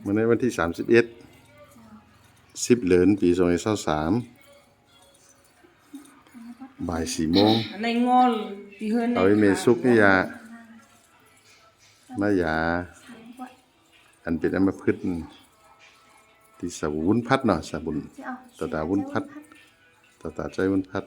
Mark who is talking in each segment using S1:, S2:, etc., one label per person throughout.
S1: วันนี้วันที่31 10 เหลือนปี2023บ่าย4 โมง
S2: ในงอลที่เฮือน
S1: เอาไอ้เมซุกนี่ยามายาอันเป็นอัมพฤกษ์ที่สาวุ้นพัดเนาะสาบุญตาวุ้นพัดตาใจวุ้นพัด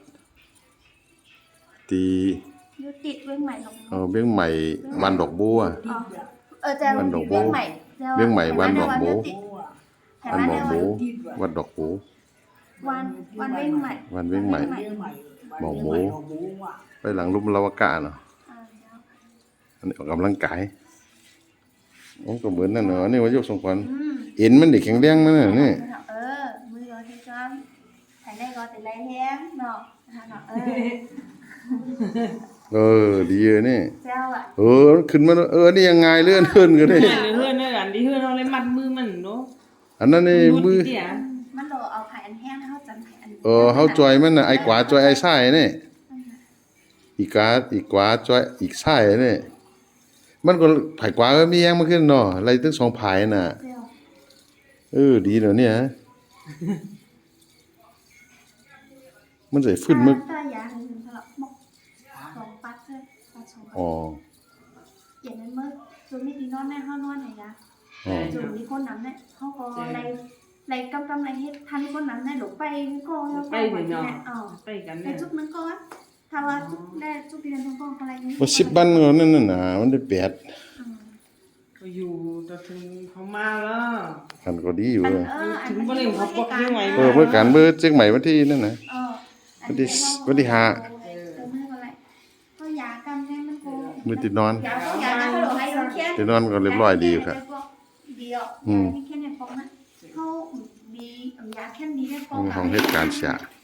S1: ตี
S3: ยุติเวียงใหม่
S1: เบี้ยงใหม่วันดอกบัววันดอกบัวเบี้ยงใหม่วันดอกบัววันดอกบัววันดอกบัว
S3: วันเวียงใหม่
S1: วันเวียงใหม่หมอกหมูไปหลังลุ่มลาวกะเนาะอันนี้ออกกำลังกายโอ้ก็เหมือนนั่นเนาะนี่ว่ายกทรงขวัญเอ็นมันเด็กแข็งแรงมันน่ะนี่
S3: มือก็ที่จ้อนถ่ายได้ก็แต่ไรแห้งเนาะ
S1: ดีนี่
S3: เจ้าอ่ะ
S1: ขึ้นมานี่ยังไงเลื่อนก็ได้
S2: เฮือนอันที่เฮือนเอาเลยมัดมือมันเนาะ
S1: อันนั้นนี่มือ
S3: มันโดเอาไผ่อันแห้งเฮาจันไผ่อัน
S1: เฮาจอยมันน่ะไอ้กว่าจอยไอ้ไส้นี่อีกกว่าจอยอีกไส้นี่มันก็ไผ่กว่าก็มีแห้งมาขึ้นเนาะอะไรตั้ง2 ไผ่น่ะดีเนาะเนี่ยมันใส่ฟื้นมึก
S3: ตายาถึงสลับหมก2 ปัดเลยปัด2อย่างนั้นมื้อจุนี่ที่นอนแม่เฮานอนไหนยะจุนี่คนนั้นเนี่ยเฮาก็ไรกำไรเฮ็ดทันคนนั้นได้หลงไปก็
S2: ไปเนาะไปกัน
S3: แต่จุกมันก็ถ้าว่าจุกได้จุกเรียนทั้งกองอะไรนี้
S1: บ่10 บันก็นั่นน่ะมันได้8
S2: ก็อยู่แต่ถึงเขามาแล้ว
S1: กันก็ดีอยู่
S2: ถึงบ่ได้เขาปกยังไง
S1: เมื่อกันเมื่อเชียงใหม่วันที่นั่นน่ะวันที่5
S3: ก็ยากันแน่มันก็
S1: มื้อที่นอน
S3: ยาก็ให้เราเขียน
S1: ที่นอนก็เรียบร้อยดีอยู่ครับ
S3: ดีอ่ะมีแค่ในฟองนะเฮามียาแค่นี้ได้ฟอง
S1: ของเหตุการณ์เสีย